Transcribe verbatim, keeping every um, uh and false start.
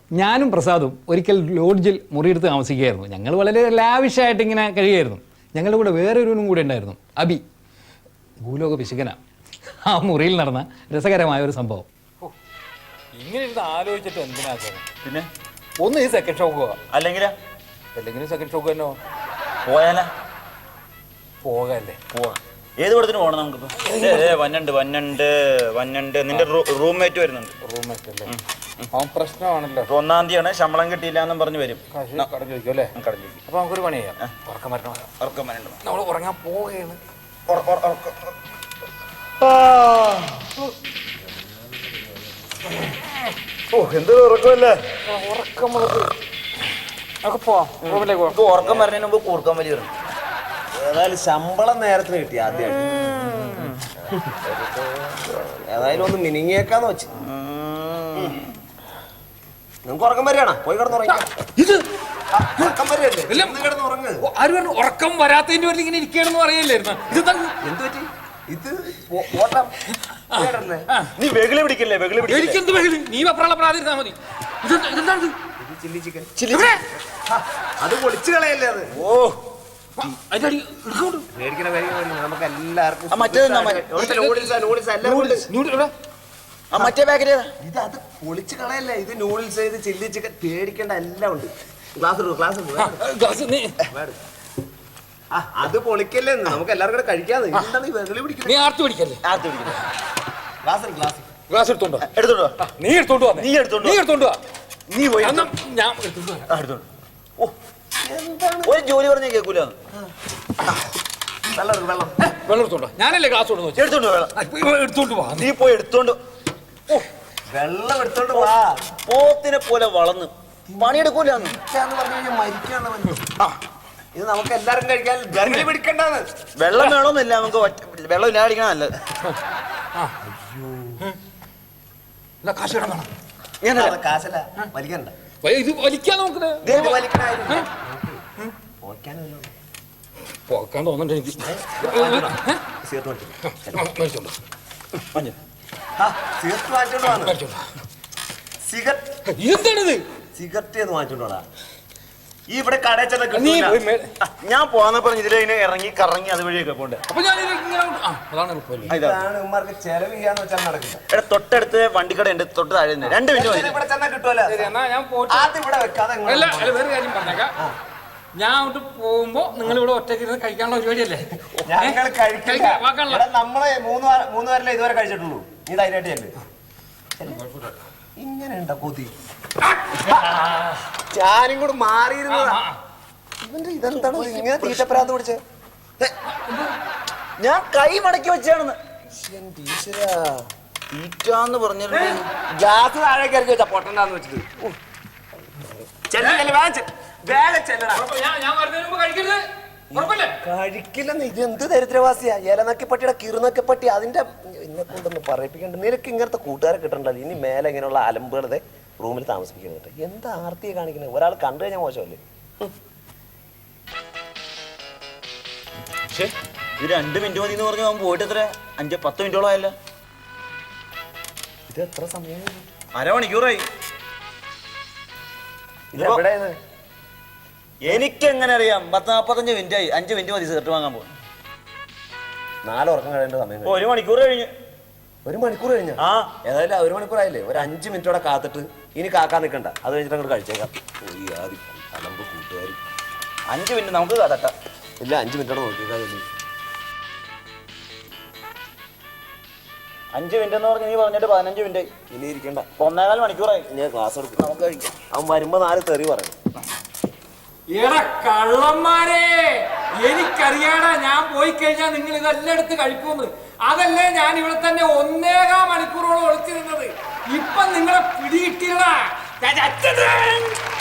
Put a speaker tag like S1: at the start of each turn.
S1: ഞാനും പ്രസാദും ഒരിക്കൽ ലോഡ്ജിൽ മുറിയെടുത്ത് താമസിക്കുകയായിരുന്നു. ഞങ്ങൾ വളരെ ലാവിഷായിട്ട് ഇങ്ങനെ കഴിയുമായിരുന്നു. ഞങ്ങളുടെ കൂടെ വേറൊരുവനും കൂടെ ഉണ്ടായിരുന്നു, അബി. ഭൂലോക പിശുക്കന. ആ മുറിയിൽ നടന്ന രസകരമായ ഒരു സംഭവം. ഇങ്ങനെ ഇരുന്ന് ആലോചിച്ചിട്ട് എന്തിനാ പിന്നെ ഒന്ന് ഈ സെക്കൻഡ് ഷോക്ക് പോവാ, അല്ലെങ്കിൽ അല്ലെങ്കിൽ സെക്കൻഡ് ഷോക്ക് തന്നെ പോയാലാ പോകല്ലേ
S2: പോവാ. ഏത് പടത്തിന് പോകണം നമുക്കിപ്പോ? വന്നുണ്ട് വന്നുണ്ട് വന്നുണ്ട് നിന്റെ റൂംമേറ്റ് വരുന്നുണ്ട്.
S1: റൂംമേറ്റ് അല്ലേ? അവൻ പ്രശ്നമാണല്ലോ.
S2: ഒന്നാം തീയതിയാണ്, ശമ്പളം കിട്ടിയില്ല എന്നും പറഞ്ഞു വരും.
S1: കടം ചോദിക്കും അല്ലേ?
S2: കടം ചോദിക്കും.
S1: അപ്പൊ നമുക്കൊരു പണി ചെയ്യാം, ഉറക്കം വരണം.
S2: ഉറക്കം വരണ്ട,
S1: നമ്മൾ ഉറങ്ങാൻ പോവുകയാണ്.
S2: ഓ എന്ത് ഉറക്കമല്ലേ?
S1: ഉറക്കം നമുക്ക് പോവാം റൂമിലേക്ക് പോവാം.
S2: ഉറക്കം വരുന്നതിന് മുമ്പ് കൂർക്കം വലിയ വരണം.
S3: ഏതായാലും ശമ്പളം നേരത്തിന് കിട്ടി ആദ്യമായിട്ട്. ഏതായാലും ഒന്ന് മിനിങ്ങിയേക്കാന്ന് വെച്ച്. നിങ്ങൾക്ക് ഉറക്കം വരികയാണോ? പോയി കിടന്നുറങ്ങാം.
S1: ഇത്
S3: ഉറക്കം വരികയല്ലേ? കിടന്ന് ഉറങ്ങ്.
S1: ആര് പറഞ്ഞു ഉറക്കം വരാത്തതിന്റെ പേരിൽ ഇങ്ങനെ ഇരിക്കണെന്ന് അറിയില്ലായിരുന്നു? ഇത്
S3: എന്ത് പറ്റി? ഇത് ഓട്ടം.
S2: നീ വെകിളി പിടിക്കല്ലേ? വെകിളി പിടിക്കല്ലേ?
S1: എനിക്കെന്ത് വെകിളി? നീ വെപ്രാള പ്രാതിരുന്നാ മതി. ഇതെന്താണ്?
S3: Chilli chicken. അത് പൊളിച്ചു കളയല്ലേ അത്? ഓ പേടിക്കണ പേടിക്കണ നമുക്ക് എല്ലാവർക്കും
S2: മറ്റേ പാക്കറ്റ്
S3: ഇത് അത് പൊളിച്ചു കളയല്ലേ. ഇത് നൂഡിൽസ്, ഇത് ചില്ലി ചിക്കൻ, പേടിക്കേണ്ട എല്ലാം ഉണ്ട്. ഗ്ലാസ് ക്ലാസ് അത് പൊളിക്കല്ലേ, നമുക്ക് എല്ലാവർക്കും കൂടെ കഴിക്കാതെ.
S1: നീ ആർത്തി പിടിക്കല്ലേ?
S2: ആർത്തി പിടിക്കല്ലേ?
S3: ഗ്ലാസ് ഗ്ലാസ്
S1: ഗ്ലാസ് എടുത്തോണ്ടോ?
S2: എടുത്തോണ്ടോ?
S1: നീ എടുത്തോണ്ട് വാ.
S2: നീ എടുത്തോണ്ട്
S1: നീ എടുത്തോണ്ട് വാ.
S2: നീ പോയി
S1: ഞാൻ
S2: എടുത്തോണ്ട്. ഓ ഒരു ജോലി പറഞ്ഞാൽ കേൾക്കൂല.
S3: വെള്ളം വെള്ളം
S1: വെള്ളം എടുത്തോണ്ടോ? ഞാനല്ലേ ഗ്ലാസ് കൊടുത്തു.
S2: എടുത്തോണ്ട് വെള്ളം
S1: എടുത്തോണ്ട് വാ.
S2: നീ പോയി എടുത്തോണ്ട്. ഓ
S3: വെള്ളം എടുത്തോണ്ട് വാ.
S2: പോത്തിനെ പോലെ വളർന്ന് പണിയെടുക്കൂലെന്ന്
S3: പറഞ്ഞു കഴിഞ്ഞാൽ മരിക്കാണ്. ഇത് നമുക്ക് എല്ലാവർക്കും കഴിക്കാൻ ഗർഭിണി പിടിക്കണ്ടെന്ന്.
S2: വെള്ളം വേണമെന്നില്ല, നമുക്ക് വെള്ളം ഇല്ലാടിക്കണ നല്ലത്.
S1: കാശ് കിടന്നാണ്.
S3: കാശല്ല വലിക്കണ്ട.
S1: ഇത് വലിക്കാൻ നോക്കുന്നത് പോക്കാൻ തോന്നണ്ട എനിക്ക്. എന്താണിത്?
S3: സിഗരറ്റ് വാങ്ങിച്ചോണ്ടോടാ. ഈ ഇവിടെ കടയിൽ ചെന്ന
S2: ഞാൻ പോന്നപ്പോ ഇതിലെ ഇറങ്ങി കറങ്ങി അതുവഴിയൊക്കെ പോണ്ട്.
S1: അപ്പൊ ഞാൻ
S3: ഉമ്മാർക്ക് ചെലവ് ചെയ്യാന്ന് വെച്ചാൽ നടക്കില്ല.
S2: ഇവിടെ തൊട്ടടുത്ത് വണ്ടിക്കട ഉണ്ട്, തൊട്ട് താഴെ രണ്ട് മിനിറ്റ്
S3: ഇവിടെ ചെന്നാൽ കിട്ടുമല്ലോ. ആദ്യം ഇവിടെ വെക്കാതെ
S1: വേറെ കാര്യം പറഞ്ഞേക്കാം. ഞാൻ അങ്ങോട്ട് പോകുമ്പോ നിങ്ങൾ ഇവിടെ ഒറ്റയ്ക്ക് ഇരുന്ന് കഴിക്കാനുള്ള പരിപാടിയല്ലേ?
S3: ഞങ്ങൾ കഴിക്കില്ല. നമ്മളെ മൂന്ന് മൂന്ന് പേരല്ലേ ഇതുവരെ കഴിച്ചിട്ടുള്ളൂ. നീ ധൈര്യമായിട്ട് ചെല്ല്. ഇങ്ങനെ ഉണ്ടോ കൊതി? ഞാനും കൂടെ മാറിയിരുന്നതാ. ഇവന്റെ ഇതെന്താണ് ഇങ്ങനെ തീറ്റപ്രാന്ത് പിടിച്ചേ?
S2: ഞാൻ കൈ മടക്കി വെച്ചാണെന്ന്. തീറ്റാന്ന് പറഞ്ഞിട്ട്
S3: ഗ്യാസ് താഴേക്ക് ഇറക്കി വെച്ചാ പൊട്ടണ്ടാന്ന് വെച്ചിട്ട്. കഴിക്കില്ലെന്ന്. ഇത് എന്ത് ദരിദ്രവാസിയാ? ഇലനക്കിപ്പട്ടിയുടെ കിറുനക്കിപ്പട്ടി. അതിന്റെ എന്നെ കൊണ്ടൊന്ന് പറയിപ്പിക്കണ്ട. നിനക്ക് ഇങ്ങനത്തെ കൂട്ടുകാരെ കിട്ടണ്ടല്ലോ. ഇനി മേലെ ഇങ്ങനെയുള്ള അലമ്പുകളുടെ റൂമിൽ താമസിപ്പിക്കുന്നത്. എന്താ ആർത്തിയെ കാണിക്കുന്നത്? ഒരാൾ കണ്ടു കഴിഞ്ഞാൽ മോശമല്ലേ?
S2: ഇത് രണ്ട് മിനിറ്റ് മതി എന്ന് പറഞ്ഞു അവൻ പോയിട്ട് എത്ര അഞ്ച് പത്ത് മിനിറ്റോളം ആയല്ലോ.
S3: ഇത് എത്ര സമയം?
S2: അരമണിക്കൂറായി.
S3: ഇതെവിടെയാണ്?
S2: എനിക്കെങ്ങനെ അറിയാം? പത്ത് നാപ്പത്തഞ്ച് മിനിറ്റ് ആയി. അഞ്ച് മിനിറ്റ് മതി സിഗരറ്റ് വാങ്ങാൻ പോകും.
S3: നാലുറക്കം കഴിയേണ്ട സമയം.
S2: ഒരു മണിക്കൂർ കഴിഞ്ഞ്.
S3: ഒരു മണിക്കൂർ കഴിഞ്ഞ?
S2: ആ
S3: ഏതായാലും ഒരു മണിക്കൂർ ആയില്ലേ. ഒരു അഞ്ച് മിനിറ്റോടെ കാത്തിട്ട് ഇനി കാക്കാൻ നിൽക്കണ്ട. അത് കഴിഞ്ഞിട്ട് അങ്ങോട്ട് കഴിച്ചേക്കാം. പോയി ആദ്യം അലമ്പ് കൂട്ടുകാർ.
S2: അഞ്ച് മിനിറ്റ് നമുക്ക് തട്ടാം.
S3: ഇല്ല, അഞ്ച് മിനിറ്റോടെ നോക്കിയേക്കാം.
S2: അഞ്ച് മിനിറ്റ് എന്ന് പറഞ്ഞ് നീ പറഞ്ഞിട്ട് പതിനഞ്ച് മിനിറ്റ് ആയി.
S3: ഇനി ഇരിക്കണ്ട.
S2: ഒന്നേകാൽ മണിക്കൂറായി.
S3: ഞാൻ ക്ലാസ് എടുക്കും. നമുക്ക് കഴിക്കാം. അവൻ വരുമ്പോ നാല് തെറി പറയും.
S1: എടാ കള്ളന്മാരെ, എനിക്കറിയാടാ ഞാൻ പോയി കഴിഞ്ഞാൽ നിങ്ങൾ ഇതെല്ലാം എടുത്ത് കഴിക്കുമെന്ന്. അതല്ലേ ഞാൻ ഇവിടെ തന്നെ ഒന്നേകാൽ മണിക്കൂറോളം ഒളിച്ചു നിന്നത്. ഇപ്പൊ നിങ്ങളെ പിടികിട്ടിയടാ.